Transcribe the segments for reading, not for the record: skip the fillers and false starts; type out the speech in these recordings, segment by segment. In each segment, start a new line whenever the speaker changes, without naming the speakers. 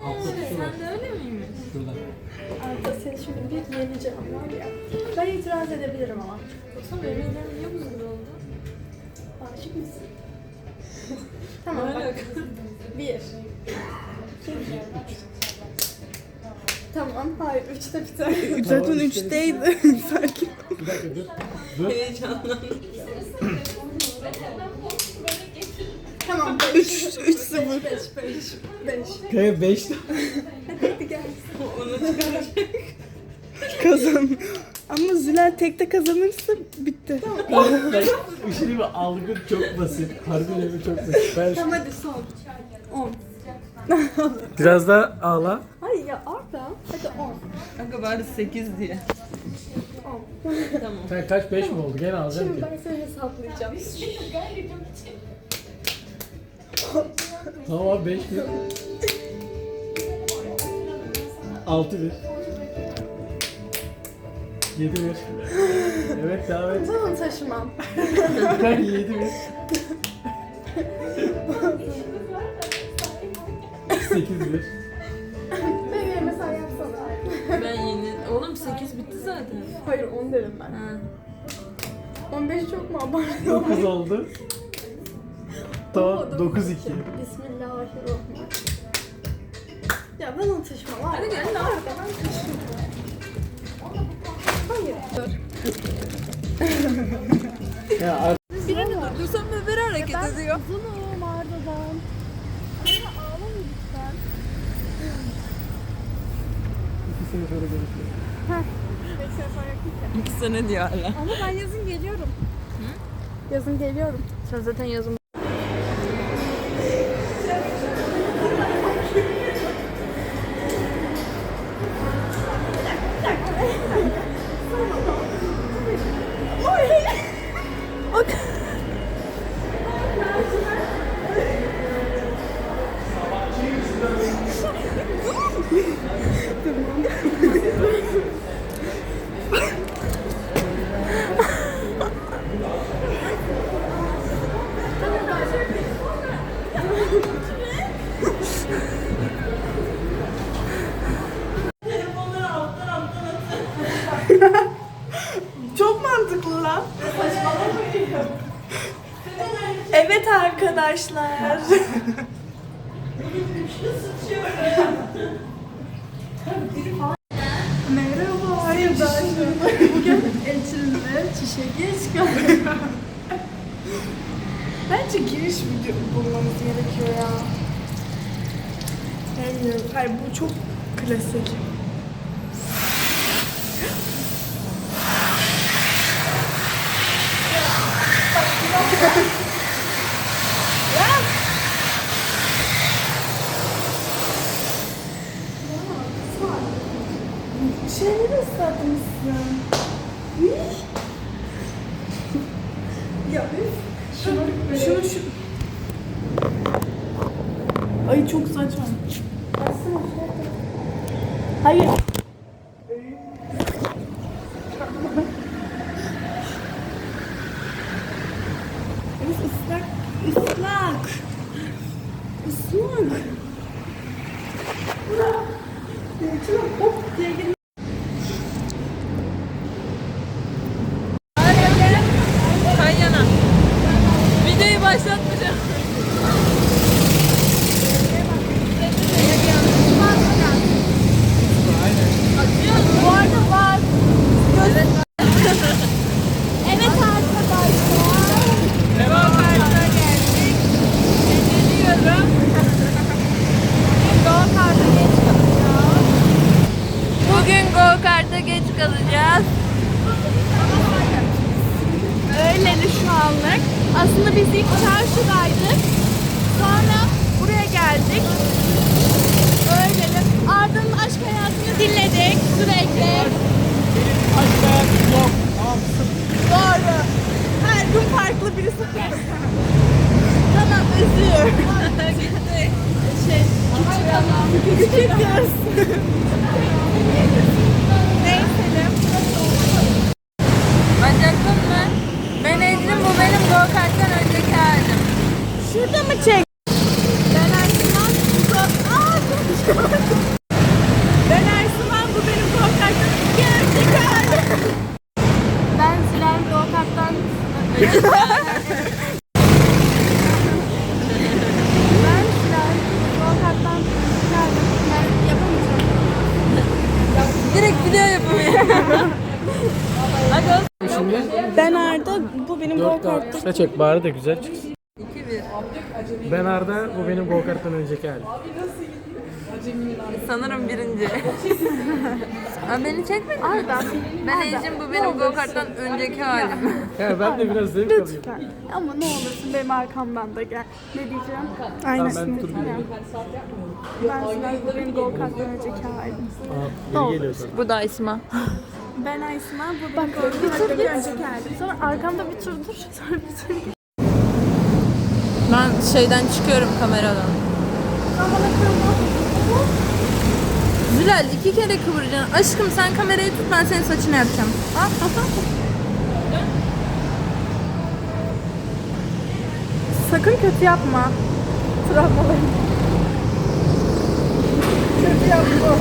Sen de öyle miymiş?
Şurada.
Arda seni şimdi bir yeneceğim var ya. Ben itiraz edebilirim ama.
Yoksa bebeğinden niye buzlu oldu?
Aşık mısın? Tamam
Ne
bak.
alaka?
Bir. Tamam, hayır. Üçte biter.
Zaten 3'teydi. Sakin.
Bir dakika dur. Dur.
Heyecanlandım.
Tamam,
3-0.
5.
Kaya 5.
Hadi gel.
Onu çıkaracak.
Kazan. Ama Zülal tekte kazanırsa bitti.
Bir şey değil mi? Algı çok basit. Harbiden çok basit. Ben
Tamam hadi son. 10.
biraz daha ağla.
Hayır ya Arda. Hadi 10.
Kanka bari 8 diye.
10.
Tamam.
Sen kaç 5 mi oldu? Gene alacağım
Şimdi
ki.
ben seni hesaplayacağım.
Tamam abi 5 1. 6 1. 7 1. Evet devam et.
Tamam taşımam.
Ben 7 1. 8 1.
Benim yerime sen yapsana.
Ben yeni... Oğlum 8 bitti zaten.
Hayır 10 dedim ben.
Ha.
15 çok mu abarttın?
9 oldu. Tamam 9 2.
Bismillahirrahmanirrahim. Ya ben onu taşımam.
Hadi gel lan.
Arda ben taşımam. Hayır. Dur.
Ya
Birini durdursam öbürü hareket ediyor.
Uzunum Arda'dan. Arda ağlama lütfen.
2 sene sonra görüşürüz.
5 sene sonra yakın ki.
2 sene diyor hala.
Ama ben yazın geliyorum. Yazın geliyorum.
Sen zaten yazın.
Çok mantıklı lan. Evet arkadaşlar. Merhaba arkadaşlar.
Bugün Elçin'le çişe geç kaldım.
Bence giriş video bulmamız gerekiyor ya. Bilmiyorum. Hayır bu çok klasik. Şeyleri ıslatmışsın. Ya üf. Şunu. Ay çok saçma. Hayır. Islak. Islak. Islak. İçine hop diye girmiş.
Kan yana. Videoyu başlatmayacağım.
Bu arada var. Evet arkadaşlar.
Devam kartına geldik. Geliyorum. Bugün go kart'a geç kalacağız.
Öyleli şu anlık. Aslında biz ilk çarşıdaydık. Sonra buraya geldik. Öyleli. Arda'nın aşk hayatını dinledik sürekli.
Aşk hayatım yok. Tamam.
Doğru. Her gün farklı birisi. Tamam özür. Küçük kız. Neyse.
Bacaktın mı? Ben Ecrin, bu benim go karttan önceki halim.
Şurada mı çek? Ben Ersin'den uzak. Ben Hilal. Go-kart'tan geldim. Ben yapamayacağım.
Direkt video yapımı. Hadi olsun.
Şimdi
Ben Arda, bu benim
4
go-kart'ta.
tane çek bari de güzel çıksın.
2-1.
Ben Arda, bu benim go-karttan önceki halim.
Sanırım birinci. Aa, beni çekmedin mi?
Arda.
Ben Ecim, bu benim go-karttan önceki halim.
Ya ben de biraz zevk alayım.
Lütfen. Ama ne olursun benim arkamdan da gel. Ne diyeceğim?
Tamam
Aynısını.
ben tur bineyim.
Ben Hilal, bu benim go-kart'tan önceki halim.
Aa, biri geliyor sana.
Bu da İsma.
Ben Aysma, bu benim go-kart'tan önceki halim. Sonra arkamda bir tur dur. Sonra bir tur git.
Ben şeyden çıkıyorum, kameradan. Zülal 2 kere kıvıracaksın. Aşkım sen kamerayı tut, ben senin saçını yapacağım.
Sakın kötü yapma. Travmalarım. Kötü yapma.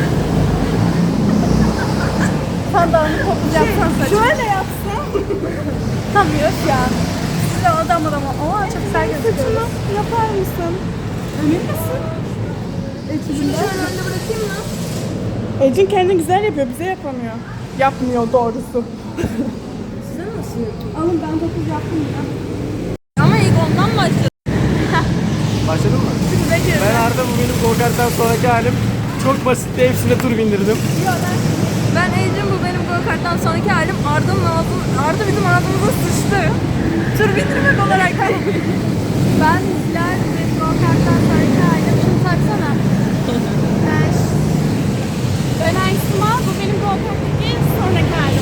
Sandalını toplayacaksan saçını. Şöyle yapsam. Tam yok ya. Size adam. Aa çok güzel gözüküyor. Saçını yapar mısın? Emin misin? Şunu şöyle önde bırakayım mı?
Ecin kendini güzel yapıyor, bize yapamıyor. Yapmıyor doğrusu.
Size nasıl yapayım?
Alın ben 9 yaptım ya.
Ama ilk ondan başladım.
Başladın mı? Ben Arda, bu benim go-karttan sonraki halim. Çok basitti, hepsine tur bindirdim.
Ben Ecim, bu benim go-karttan sonraki halim. Arda bizim ağzımıza sıçtı. Tur bindirmek olarak.
Ben Hilal ve go-kart'tan sonraki halim. Şunu taksana. Ben Aysma, bu benim go-kart'taki sonraki halim.